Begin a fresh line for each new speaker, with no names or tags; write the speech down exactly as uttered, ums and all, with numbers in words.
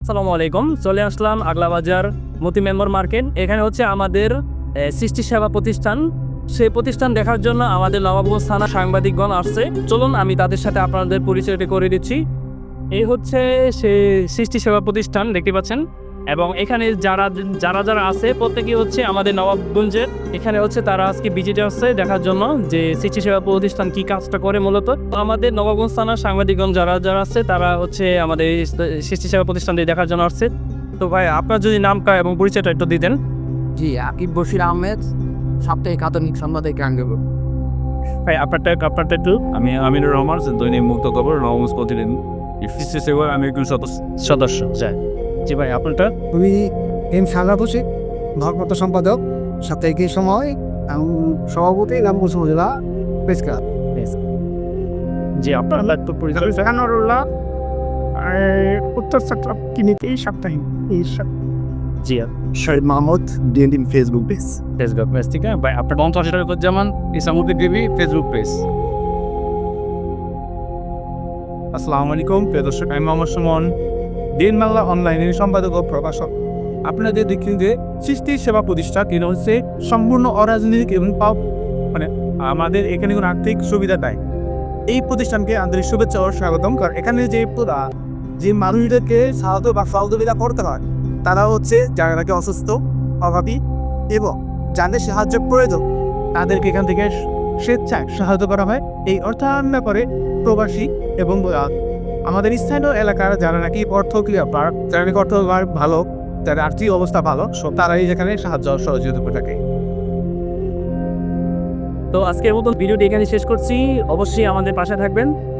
আসসালামু আলাইকুম। চলে আসলাম আগলা বাজার মতি মেম্বার মার্কেট। এখানে হচ্ছে আমাদের এ, সৃষ্টি সেবা প্রতিষ্ঠান। সেই প্রতিষ্ঠান দেখার জন্য আমাদের নবাবগঞ্জ থানা সাংবাদিকগণ আসছে। চলুন আমি তাদের সাথে আপনাদের পরিচয়টা করে দিচ্ছি। এই হচ্ছে সে সৃষ্টি সেবা প্রতিষ্ঠান দেখতে পাচ্ছেন, এবং এখানে যারা যারা যারা আছে প্রত্যেকেই হচ্ছে আমাদের নবাবগঞ্জের। এখানে হচ্ছে তারা আজকে ভিজিটে আসছে দেখার জন্য যে সৃষ্টি সেবা প্রতিষ্ঠান কি কাজটা করে। মূলত আমাদের নবাবগঞ্জ থানার সাংবাদিকগণ যারা যারা আছে তারা হচ্ছে আমাদের এই সৃষ্টি সেবা প্রতিষ্ঠানটি দেখার জন্য আসছে। তো ভাই আপনার যদি নামটা এবং পরিচয়টা একটু দিতেন।
জি, আকিব বশির আহমেদ, সাপ্তাহিক আধুনিক সম্পাদক গাঙ্গেপুর।
ভাই আপনারটা আপনারটা একটু।
আমি আমিনুর রহমান, দৈনিক মুক্ত খবর, নবগঞ্জ প্রতিদিন। সৃষ্টি সেবার আমি একজন সদস্য
সদস্য যায়। জি ভাই আপনারটা।
আমি এম সাগা হোসেন, ভারপ্রাপ্ত সম্পাদক, সাপ্তাহিক সময় এবং সভাপতি রামগঞ্জ উপজেলা প্রেস ক্লাব।
জি আপনার একটু পরিচয়।
জাহানুরুল্লাহ উত্তর চট্টগ্রাম কিনিতেই সাপ্তাহিক এই সপ-
জি
শহীদ মাহমুদ, ডিএনডিম ফেসবুক পেজ।
ফেসবুক পেজ থেকে ভাই আপনার
পঞ্চাশ Zaman Isamuddin TV Facebook page.
আসসালামু আলাইকুম প্রিয় দর্শক, আমি মোহাম্মদ সুমন, দিন বাংলা অনলাইনের সম্পাদক ও প্রকাশক। আপনাদের দেখছেন যে সৃষ্টি সেবা প্রতিষ্ঠান এটা হচ্ছে সম্পূর্ণ অরাজনৈতিক এবং পাও- মানে আমাদের এখানে কোনো আর্থিক সুবিধা দেয়। এই প্রতিষ্ঠানকে আন্তরিক শুভেচ্ছা ও স্বাগতম। কারণ এখানে যে পুরা যে মানুষদেরকে সাহায্য বা সহযোগিতা করতে হয় তারা হচ্ছে যারা নাকি অসুস্থ, অভাবী এবং যাদের সাহায্য প্রয়োজন তাদেরকে এখান থেকে স্বেচ্ছায় সাহায্য করা হয়। এই অর্থায়ন করে প্রবাসী এবং আহ, আমাদের স্থানীয় এলাকার যারা নাকি অর্থ ক্রিয়া যারা নাকি অর্থ ভালো, যাদের আর্থিক অবস্থা ভালো, সব তারাই যেখানে সাহায্য সহযোগিতা করে থাকে।
তো আজকের মতন ভিডিওটি এখানে শেষ করছি। অবশ্যই আমাদের পাশে থাকবেন।